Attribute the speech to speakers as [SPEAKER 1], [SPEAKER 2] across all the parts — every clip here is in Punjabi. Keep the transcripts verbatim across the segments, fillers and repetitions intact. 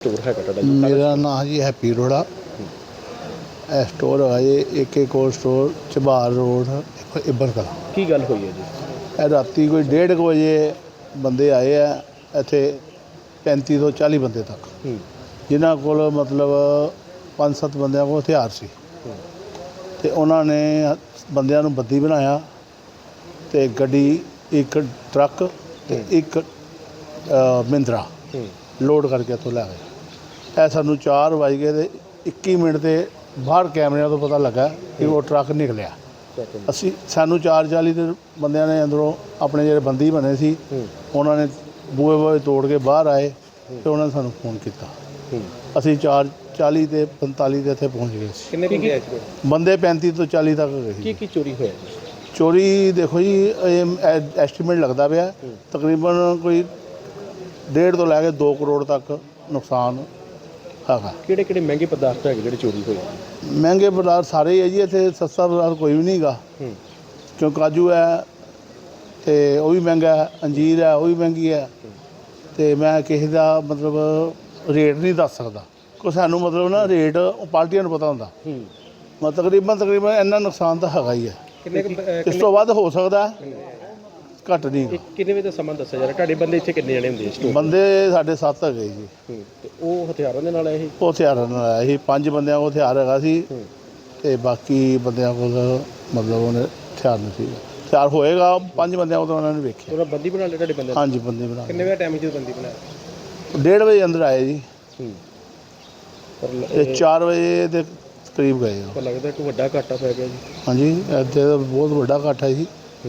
[SPEAKER 1] स्टोर है ਤੁਹਾਡਾ ਜੀ?
[SPEAKER 2] मेरा नाम जी हैप्पी अरोड़ा। ਇਹ ਸਟੋਰ ਹੈ ਜੀ ਏਕੇ ਕੋਲ ਸਟੋਰ ਝਬਾਰ ਰੋਡ ਇੱਬਰ ਕਲਾਂ।
[SPEAKER 1] ਕੀ ਗੱਲ ਹੋਈ ਹੈ ਜੀ?
[SPEAKER 2] ਇਹ ਰਾਤੀ ਕੋਈ ਡੇਢ ਕੁ ਵਜੇ ਬੰਦੇ ਆਏ ਆ ਇੱਥੇ ਪੈਂਤੀ ਤੋਂ ਚਾਲੀ ਬੰਦੇ ਤੱਕ, ਜਿਨ੍ਹਾਂ ਕੋਲ ਮਤਲਬ ਪੰਜ ਸੱਤ ਬੰਦਿਆਂ ਕੋਲ ਹਥਿਆਰ ਸੀ ਅਤੇ ਉਹਨਾਂ ਨੇ ਬੰਦਿਆਂ ਨੂੰ ਬੱਦੀ ਬਣਾਇਆ ਅਤੇ ਗੱਡੀ ਇੱਕ ਟਰੱਕ ਅਤੇ ਇੱਕ ਮਹਿੰਦਰਾ ਲੋਡ ਕਰਕੇ ਇੱਥੋਂ ਲੈ ਗਏ। ਇਹ ਸਾਨੂੰ ਚਾਰ ਵੱਜ ਗਏ ਅਤੇ ਇੱਕੀ ਮਿੰਟ 'ਤੇ ਬਾਹਰ ਕੈਮਰਿਆਂ ਤੋਂ ਪਤਾ ਲੱਗਾ ਕਿ ਉਹ ਟਰੱਕ ਨਿਕਲਿਆ। ਅਸੀਂ ਸਾਨੂੰ ਚਾਰ ਚਾਲੀ ਦੇ ਬੰਦਿਆਂ ਨੇ ਅੰਦਰੋਂ ਆਪਣੇ ਜਿਹੜੇ ਬੰਦੀ ਬਣੇ ਸੀ ਉਹਨਾਂ ਨੇ ਬੂਹੇ ਬੂਹੇ ਤੋੜ ਕੇ ਬਾਹਰ ਆਏ ਅਤੇ ਉਹਨਾਂ ਨੇ ਸਾਨੂੰ ਫੋਨ ਕੀਤਾ। ਅਸੀਂ ਚਾਰ ਚਾਲੀ ਅਤੇ ਪੰਤਾਲੀ ਦੇ ਇੱਥੇ ਪਹੁੰਚ ਗਏ ਸੀ।
[SPEAKER 1] ਕਿੰਨੇ ਬੰਦੇ ਆਏ?
[SPEAKER 2] ਬੰਦੇ ਪੈਂਤੀ ਤੋਂ ਚਾਲੀ ਤੱਕ ਗਏ ਸੀ।
[SPEAKER 1] ਕੀ ਕੀ ਚੋਰੀ ਹੋਇਆ ਜੀ?
[SPEAKER 2] ਚੋਰੀ ਦੇਖੋ ਜੀ, ਇਹ ਐਸਟੀਮੇਟ ਲੱਗਦਾ ਪਿਆ ਤਕਰੀਬਨ ਕੋਈ ਡੇਢ ਤੋਂ ਲੈ ਕੇ ਦੋ ਕਰੋੜ ਤੱਕ ਨੁਕਸਾਨ ਹੈਗਾ।
[SPEAKER 1] ਕਿਹੜੇ ਕਿਹੜੇ ਮਹਿੰਗੇ ਪਦਾਰਥ ਹੈਗੇ ਜਿਹੜੇ ਚੋਰੀ ਹੋਏ?
[SPEAKER 2] ਮਹਿੰਗੇ ਪਦਾਰਥ ਸਾਰੇ ਹੀ ਹੈ ਜੀ, ਇੱਥੇ ਸਸਤਾ ਪਦਾਰਥ ਕੋਈ ਵੀ ਨਹੀਂ ਹੈਗਾ। ਕਿਉਂ ਕਾਜੂ ਹੈ ਅਤੇ ਉਹ ਵੀ ਮਹਿੰਗਾ ਹੈ, ਅੰਜੀਰ ਹੈ ਉਹ ਵੀ ਮਹਿੰਗੀ ਹੈ, ਅਤੇ ਮੈਂ ਕਿਸੇ ਦਾ ਮਤਲਬ ਰੇਟ ਨਹੀਂ ਦੱਸ ਸਕਦਾ ਕਿਉਂ ਸਾਨੂੰ ਮਤਲਬ ਨਾ ਰੇਟ ਉਹ ਪਾਰਟੀਆਂ ਨੂੰ ਪਤਾ ਹੁੰਦਾ। ਮੈਂ ਤਕਰੀਬਨ ਤਕਰੀਬਨ ਇੰਨਾ ਨੁਕਸਾਨ ਤਾਂ ਹੈਗਾ ਹੀ ਹੈ।
[SPEAKER 1] ਕਿੰਨੇ
[SPEAKER 2] ਇਸ ਤੋਂ ਵੱਧ ਹੋ ਸਕਦਾ, ਘੱਟ ਨਹੀਂ।
[SPEAKER 1] ਕਿੰਨੇ ਵਜੇ ਦਾ ਸਮਾਂ ਦੱਸਿਆ ਜਾ ਰਿਹਾ? ਤੁਹਾਡੇ ਬੰਦੇ ਇੱਥੇ ਕਿੰਨੇ ਜਣੇ ਹੁੰਦੇ ਸਟੋਰ?
[SPEAKER 2] ਬੰਦੇ ਸਾਡੇ ਸੱਤ ਹੈਗੇ ਜੀ।
[SPEAKER 1] ਤੇ ਉਹ ਹਥਿਆਰਾਂ ਦੇ ਨਾਲ ਆਏ ਸੀ?
[SPEAKER 2] ਉਹ ਹਥਿਆਰਾਂ ਨਾਲ ਆਇਆ ਸੀ। ਪੰਜ ਬੰਦਿਆਂ ਕੋਲ ਹਥਿਆਰ ਹੈਗਾ ਸੀ ਅਤੇ ਬਾਕੀ ਬੰਦਿਆਂ ਕੋਲ ਮਤਲਬ ਉਹਨੇ ਹਥਿਆਰ ਨਹੀਂ ਸੀ। ਹਥਿਆਰ ਹੋਏਗਾ ਪੰਜ ਬੰਦਿਆਂ ਕੋਲ, ਉਹਨਾਂ ਨੇ ਵੇਖਿਆ।
[SPEAKER 1] ਉਹਨਾਂ ਬੰਦੀ ਬਣਾ ਲਿਆ ਤੁਹਾਡੇ ਬੰਦੇ?
[SPEAKER 2] ਹਾਂਜੀ ਬੰਦੀ ਬਣਾ।
[SPEAKER 1] ਕਿੰਨੇ ਵਜੇ ਟਾਈਮ ਜਦੋਂ ਬੰਦੀ ਬਣਾਇਆ?
[SPEAKER 2] ਡੇਢ ਵਜੇ ਅੰਦਰ ਆਏ ਜੀ
[SPEAKER 1] ਪਰ
[SPEAKER 2] ਅਤੇ ਚਾਰ ਵਜੇ ਦੇ ਕਰੀਬ ਗਏ।
[SPEAKER 1] ਪਰ ਲੱਗਦਾ ਕਿ ਵੱਡਾ ਘਾਟਾ ਪੈ ਗਿਆ ਜੀ।
[SPEAKER 2] ਹਾਂਜੀ ਇੱਥੇ ਤਾਂ ਬਹੁਤ ਵੱਡਾ ਇਕੱਠ ਹੈ ਜੀ।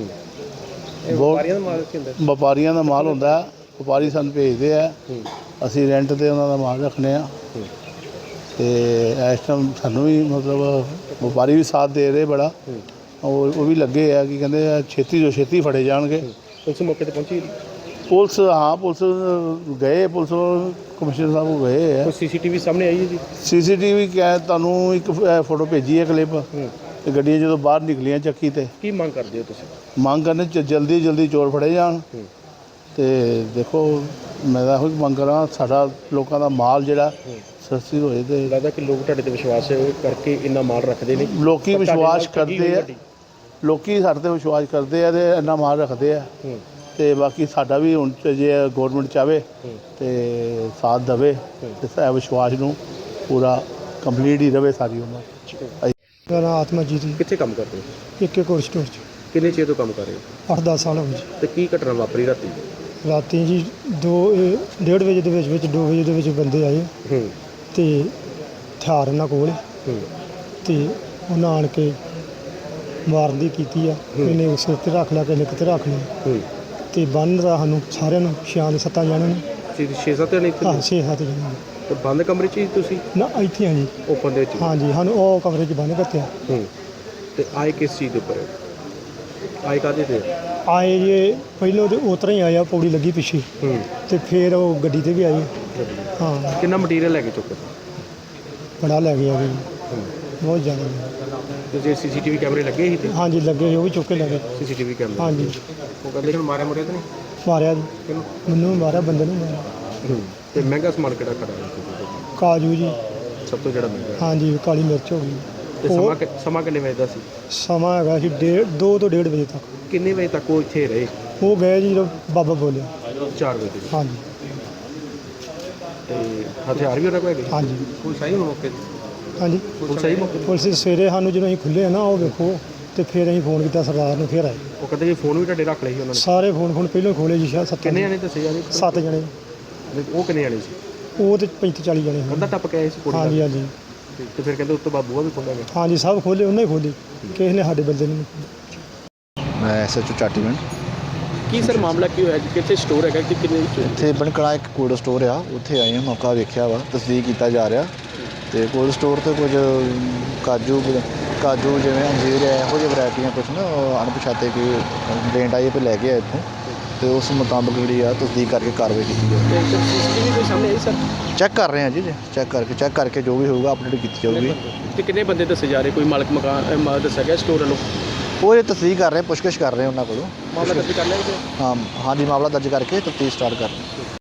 [SPEAKER 1] ਇਹ ਵਪਾਰੀਆਂ ਦਾ ਮਾਲ ਕੀ ਹੁੰਦਾ?
[SPEAKER 2] ਵਪਾਰੀਆਂ ਦਾ ਮਾਲ ਹੁੰਦਾ, ਵਪਾਰੀ ਸਾਨੂੰ ਭੇਜਦੇ ਆ, ਅਸੀਂ ਰੈਂਟ 'ਤੇ ਉਹਨਾਂ ਦਾ ਮਾਲ ਰੱਖਦੇ ਹਾਂ ਅਤੇ ਇਸ ਟਾਈਮ ਸਾਨੂੰ ਵੀ ਮਤਲਬ ਵਪਾਰੀ ਵੀ ਸਾਥ ਦੇ ਰਹੇ ਬੜਾ। ਉਹ ਉਹ ਵੀ ਲੱਗੇ ਆ ਕਿ ਕਹਿੰਦੇ ਆ ਛੇਤੀ ਤੋਂ ਛੇਤੀ ਫੜੇ ਜਾਣਗੇ।
[SPEAKER 1] ਉਸ ਮੌਕੇ 'ਤੇ ਪਹੁੰਚੀ
[SPEAKER 2] ਪੁਲਿਸ? ਹਾਂ ਪੁਲਿਸ ਗਏ, ਪੁਲਿਸ ਕਮਿਸ਼ਨਰ ਸਾਹਿਬ ਕੋਲ ਗਏ ਆ।
[SPEAKER 1] ਕੋਈ ਸੀ ਸੀ ਟੀ ਵੀ ਸਾਹਮਣੇ ਆਈ ਹੈ ਜੀ?
[SPEAKER 2] ਸੀ ਸੀ ਟੀ ਵੀ ਕਹਿ ਤੁਹਾਨੂੰ ਇੱਕ ਫੋਟੋ ਭੇਜੀ ਹੈ ਕਲਿੱਪ, ਅਤੇ ਗੱਡੀਆਂ ਜਦੋਂ ਬਾਹਰ ਨਿਕਲੀਆਂ ਚੱਕੀ 'ਤੇ।
[SPEAKER 1] ਕੀ ਮੰਗ ਕਰਦੇ ਹੋ ਤੁਸੀਂ?
[SPEAKER 2] ਮੰਗ ਕਰਨੇ ਚ ਜਲਦੀ ਜਲਦੀ ਚੋਰ ਫੜੇ ਜਾਣ ਅਤੇ ਦੇਖੋ ਮੈਂ ਤਾਂ ਇਹੋ ਹੀ ਮੰਗ ਕਰਾਂ ਸਾਡਾ ਲੋਕਾਂ ਦਾ ਮਾਲ ਜਿਹੜਾ ਸਸਤੀ ਹੋਏ। ਅਤੇ
[SPEAKER 1] ਲੱਗਦਾ ਕਿ ਲੋਕ ਤੁਹਾਡੇ 'ਤੇ ਵਿਸ਼ਵਾਸ ਕਰਕੇ ਇੰਨਾ ਮਾਲ ਰੱਖਦੇ ਨੇ।
[SPEAKER 2] ਲੋਕ ਵਿਸ਼ਵਾਸ ਕਰਦੇ ਆ, ਲੋਕ ਸਾਡੇ 'ਤੇ ਵਿਸ਼ਵਾਸ ਕਰਦੇ ਆ ਅਤੇ ਇੰਨਾ ਮਾਲ ਰੱਖਦੇ ਆ। ਅਤੇ ਬਾਕੀ ਸਾਡਾ ਵੀ ਹੁਣ ਜੇ ਗੌਰਮੈਂਟ ਚਾਹਵੇ ਅਤੇ ਸਾਥ ਦੇਵੇ ਅਤੇ ਵਿਸ਼ਵਾਸ ਨੂੰ ਪੂਰਾ ਕੰਪਲੀਟ ਹੀ ਰਹੇ ਸਾਰੀ ਉਮਰ।
[SPEAKER 3] ਮੇਰਾ ਨਾਮ ਆਤਮਜੀਤ ਜੀ।
[SPEAKER 1] ਕਿੱਥੇ ਕੰਮ ਕਰਦੇ ਹੋ?
[SPEAKER 3] ਏਕੇ ਕੋਲ ਸਟੋਰ 'ਚ
[SPEAKER 1] ਕਿੰਨੇ ਚਿਰ ਤੋਂ ਕੰਮ ਕਰ ਰਹੇ ਹੋ?
[SPEAKER 3] ਅੱਠ ਦਸ ਸਾਲ ਹੋ ਗਏ ਜੀ।
[SPEAKER 1] ਤੇ ਕੀ ਘਟਨਾ ਵਾਪਰੀ ਰਾਤੀ?
[SPEAKER 3] ਰਾਤੀ ਜੀ ਦੋ ਇਹ ਡੇਢ ਵਜੇ ਦੇ ਵਿੱਚ ਵਿੱਚ ਦੋ ਵਜੇ ਦੇ ਵਿੱਚ ਬੰਦੇ ਆਏ ਅਤੇ ਹਥਿਆਰ ਉਹਨਾਂ ਕੋਲ ਅਤੇ ਉਹਨਾਂ ਆਣ ਕੇ ਮਾਰਨ ਦੀ ਕੀਤੀ ਆ। ਇਹਨੇ ਸਿਰ 'ਤੇ ਰੱਖ ਲਿਆ, ਕਿਸੇ ਕਿਤੇ ਰੱਖ ਲਿਆ ਅਤੇ ਬੰਨ ਦਾ ਸਾਨੂੰ ਸਾਰਿਆਂ ਨੂੰ ਛਿਆਂ ਦੇ ਸੱਤਾਂ ਜਾਣਿਆਂ ਨੂੰ
[SPEAKER 1] ਛੇ ਸੱਤ ਜਣੇ ਇੱਥੇ?
[SPEAKER 3] ਹਾਂ ਛੇ ਸੱਤ ਜਣੇ
[SPEAKER 1] ਤੇ ਬੰਦ ਕਮਰੇ 'ਚ ਹੀ ਤੁਸੀਂ?
[SPEAKER 3] ਨਾ ਇੱਥੇ ਹਾਂ ਜੀ,
[SPEAKER 1] ਓਪਨ ਦੇ ਵਿੱਚ?
[SPEAKER 3] ਹਾਂਜੀ ਸਾਨੂੰ ਉਹ ਕਮਰੇ 'ਚ ਬੰਨ੍ਹ ਕੱਤਿਆ।
[SPEAKER 1] ਤੇ ਆਏ ਕਿਸ ਚੀਜ਼ ਦੇ ਉੱਪਰ? ਆਏ ਕਾਹਦੇ ਤੇ?
[SPEAKER 3] ਆਏ ਜੇ ਪਹਿਲਾਂ ਤਾਂ ਉਸ ਤਰ੍ਹਾਂ ਹੀ ਆਇਆ, ਪੌੜੀ ਲੱਗੀ ਪਿੱਛੇ ਅਤੇ ਫਿਰ ਉਹ ਗੱਡੀ 'ਤੇ ਵੀ ਆਈ। ਹਾਂ
[SPEAKER 1] ਕਿੰਨਾ ਮਟੀਰੀਅਲ ਲੈ ਕੇ ਚੁੱਕੇ?
[SPEAKER 3] ਬੜਾ ਲੈ ਗਿਆ ਜੀ, ਬਹੁਤ ਜ਼ਿਆਦਾ।
[SPEAKER 1] ਤੇ ਜੇ ਸੀ ਸੀ ਟੀ ਵੀ ਕੈਮਰੇ ਲੱਗੇ ਸੀ? ਤੇ
[SPEAKER 3] ਹਾਂਜੀ ਲੱਗੇ ਸੀ, ਉਹ ਵੀ ਚੁੱਕ ਕੇ ਲੈ ਗਏ।
[SPEAKER 1] ਸੀ ਸੀ ਟੀ ਵੀ ਕੈਮਰੇ?
[SPEAKER 3] ਹਾਂਜੀ
[SPEAKER 1] ਉਹ ਕਹਿੰਦੇ ਹੁਣ ਮਾਰਿਆ ਮੁਰਿਆ ਤਾਂ ਨਹੀਂ?
[SPEAKER 3] ਮਾਰਿਆ ਜੀ,
[SPEAKER 1] ਕਿਹਨੂੰ?
[SPEAKER 3] ਮੈਨੂੰ ਮਾਰਿਆ, ਬੰਦੇ ਨੂੰ ਮਾਰਿਆ।
[SPEAKER 1] ਤੇ ਮਹਿੰਗਾ ਸਮਾਨ ਕਿਹੜਾ ਖੜਾ?
[SPEAKER 3] ਕਾਜੂ ਜੀ,
[SPEAKER 1] ਸਭ ਤੋਂ ਜਿਹੜਾ ਮਹਿੰਗਾ?
[SPEAKER 3] ਹਾਂਜੀ ਕਾਲੀ ਮਿਰਚ ਹੋ ਗਈ।
[SPEAKER 1] ਤੇ ਸਮਾਂ ਕਿ- ਸਮਾਂ ਕਿੰਨੇ ਵਜੇ ਦਾ ਸੀ?
[SPEAKER 3] ਸਮਾਂ ਹੈਗਾ ਸੀ ਡੇਢ ਦੋ ਤੋਂ ਡੇਢ ਵਜੇ ਤੱਕ।
[SPEAKER 1] ਕਿੰਨੇ ਵਜੇ ਤੱਕ ਉਹ ਇੱਥੇ ਰਹੇ?
[SPEAKER 3] ਉਹ ਗਏ ਜੀ ਜਦੋਂ ਬਾਬਾ ਬੋਲਿਆ।
[SPEAKER 1] ਚਾਰ ਵਜੇ ਤੱਕ?
[SPEAKER 3] ਹਾਂਜੀ
[SPEAKER 1] ਤੇ ਹਥਿਆਰ ਵੀ ਉਹਨਾਂ ਕੋਲ ਹੈਗੇ?
[SPEAKER 3] ਹਾਂਜੀ
[SPEAKER 1] ਕੋਈ ਸਹੀ ਮੌਕੇ ਤੇ?
[SPEAKER 3] ਹਾਂਜੀ
[SPEAKER 1] ਕੋਈ ਸਹੀ ਮੌਕੇ ਤੇ?
[SPEAKER 3] ਪੁਲਿਸ ਸਵੇਰੇ ਸਾਨੂੰ ਜਦੋਂ ਅਸੀਂ ਖੁੱਲ੍ਹੇ ਆ ਨਾ ਉਹ ਵੇਖੋ, ਅਤੇ ਫਿਰ ਅਸੀਂ ਫੋਨ ਕੀਤਾ ਸਰਦਾਰ ਨੂੰ, ਫਿਰ ਆਏ
[SPEAKER 1] ਉਹ ਕਹਿੰਦੇ ਜੀ ਫੋਨ ਵੀ ਤੁਹਾਡੇ ਰੱਖ ਲਏ ਸੀ ਉਹਨਾਂ ਨੇ?
[SPEAKER 3] ਸਾਰੇ ਫੋਨ ਫੋਨ ਪਹਿਲਾਂ ਖੋਲ੍ਹੇ ਜੀ, ਸ਼ਾਇਦ ਸੱਤ
[SPEAKER 1] ਕਿੰਨੇ ਜਣੇ ਦੱਸੇ ਜਾ ਰਹੇ?
[SPEAKER 3] ਸੱਤ ਜਣੇ।
[SPEAKER 1] ਉਹ ਕਿੰਨੇ ਜਣੇ ਸੀ?
[SPEAKER 3] ਉਹ ਤਾਂ ਪੈਂਤੀ ਚਾਲੀ ਜਣੇ
[SPEAKER 1] ਕੰਧਾ ਟੱਪ ਕੇ ਆਏ ਸੀ ਕੁੜੀ?
[SPEAKER 3] ਹਾਂਜੀ ਹਾਂਜੀ
[SPEAKER 1] ਤੇ ਫਿਰ ਕਹਿੰਦੇ ਉਸ ਤੋਂ ਬਾਅਦ ਬੂਹਾ ਵੀ ਖੋਲ੍ਹਿਆ ਗਿਆ?
[SPEAKER 3] ਹਾਂਜੀ ਸਭ ਖੋਲ੍ਹੇ, ਉਹਨੇ ਖੋਲ੍ਹੇ, ਕਿਸੇ ਨੇ ਸਾਡੇ ਬੰਦੇ ਨੂੰ।
[SPEAKER 4] ਮੈਂ ਐਸ ਐਚ ਓ ਚਾਟੀਵਿੰਡ।
[SPEAKER 1] ਕੀ ਸਰ ਮਾਮਲਾ ਕੀ ਹੋਇਆ ਜੀ? ਕਿੱਥੇ ਸਟੋਰ ਹੈਗਾ ਕਿ ਕਿੰਨੇ ਵਿੱਚ?
[SPEAKER 4] ਇੱਥੇ ਬਣਕੜਾ ਇੱਕ ਕੋਲਡ ਸਟੋਰ ਆ, ਉੱਥੇ ਆਏ ਹਾਂ, ਮੌਕਾ ਵੇਖਿਆ ਵਾ, ਤਸਦੀਕ ਕੀਤਾ ਜਾ ਰਿਹਾ। ਅਤੇ ਕੋਲਡ ਸਟੋਰ 'ਤੇ ਕੁਝ ਕਾਜੂ ਕਾਜੂ ਜਿਵੇਂ ਅੰਜੀਰ ਹੈ, ਇਹੋ ਜਿਹੀ ਵਰਾਇਟੀਆਂ ਕੁਛ ਨਾ ਅਣਪਛਾਤੇ ਕੋਈ ਕੰਪਲੇਂਟ ਆਈ ਹੈ, ਲੈ ਕੇ ਆਏ ਇੱਥੋਂ, ਅਤੇ ਉਸ ਮੁਤਾਬਕ ਜਿਹੜੀ ਆ ਤਸਦੀਕ ਕਰਕੇ ਕਾਰਵਾਈ ਕੀਤੀ ਜਾਵੇ।
[SPEAKER 1] ਸੀ ਸੀ ਟੀ ਵੀ ਕੋਈ ਸਾਹਮਣੇ ਆਈ ਸਰ?
[SPEAKER 4] ਚੈੱਕ ਕਰ ਰਹੇ ਹਾਂ ਜੀ, ਚੈੱਕ ਕਰਕੇ ਚੈੱਕ ਕਰਕੇ ਜੋ ਵੀ ਹੋਊਗਾ ਅਪਡੇਟ ਕੀਤੀ ਜਾਊਗੀ।
[SPEAKER 1] ਤੇ ਕਿੰਨੇ ਬੰਦੇ ਦੱਸੇ ਜਾ ਰਹੇ? ਕੋਈ ਮਾਲਕ ਮਕਾਨ ਦੱਸਿਆ ਗਿਆ ਸਟੋਰ ਵੱਲੋਂ?
[SPEAKER 4] ਉਹ ਇਹ ਤਸਦੀਕ ਕਰ ਰਹੇ, ਪੁੱਛਗਿੱਛ ਕਰ ਰਹੇ ਉਹਨਾਂ ਕੋਲੋਂ।
[SPEAKER 1] ਮਾਮਲਾ ਦਰਜ ਕਰ ਲਿਆ ਜੀ?
[SPEAKER 4] ਹਾਂ ਹਾਂਜੀ ਮਾਮਲਾ ਦਰਜ ਕਰਕੇ ਤਫਤੀਸ਼ ਸਟਾਰਟ ਕਰ ਰਹੇ।